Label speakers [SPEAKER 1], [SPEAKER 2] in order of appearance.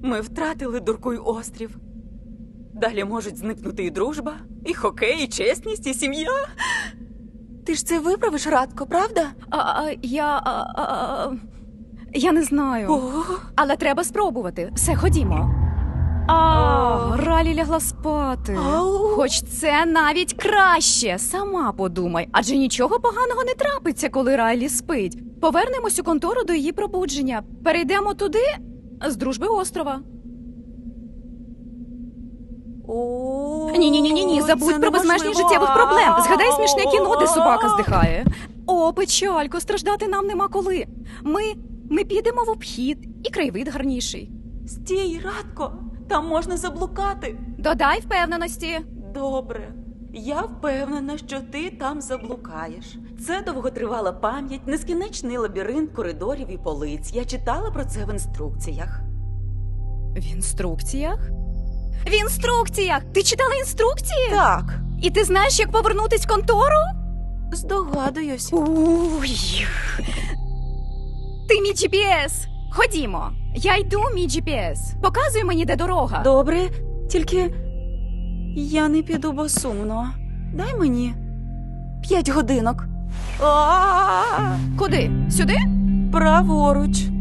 [SPEAKER 1] Ми втратили Дуркуй острів. Далі можуть зникнути і дружба, і хокей, і чесність, і сім'я. Ти ж це виправиш, Радко, правда?
[SPEAKER 2] Я не знаю.
[SPEAKER 1] О,
[SPEAKER 2] Але треба спробувати. Все, ходімо. Ралі лягла спати.
[SPEAKER 1] Ау.
[SPEAKER 2] Хоч це навіть краще. Сама подумай. Адже нічого поганого не трапиться, коли Райлі спить. Повернемось у контору до її пробудження. Перейдемо туди з дружби острова. Ні, забудь про безмежність життєвих проблем. Згадай смішне кіно, де собака здихає. О, печалько, страждати нам нема коли. Ми підемо в обхід, і краєвид гарніший.
[SPEAKER 1] Стій, Радко, там можна заблукати.
[SPEAKER 2] Додай впевненості.
[SPEAKER 1] Добре. Я впевнена, що ти там заблукаєш. Це довготривала пам'ять, нескінченний лабіринт коридорів і полиць. Я читала про це в інструкціях.
[SPEAKER 2] В інструкціях? В інструкціях! Ти читала інструкції?
[SPEAKER 1] Так,
[SPEAKER 2] І ти знаєш, як повернутись в контору?
[SPEAKER 1] здогадуюсь.
[SPEAKER 2] Уй. Ти мій GPS. Ходімо. Я йду, мій GPS. Показуй мені, де дорога.
[SPEAKER 1] Добре, тільки я не піду, бо сумно. Дай мені 5 годинок.
[SPEAKER 2] Куди? Сюди?
[SPEAKER 1] Праворуч.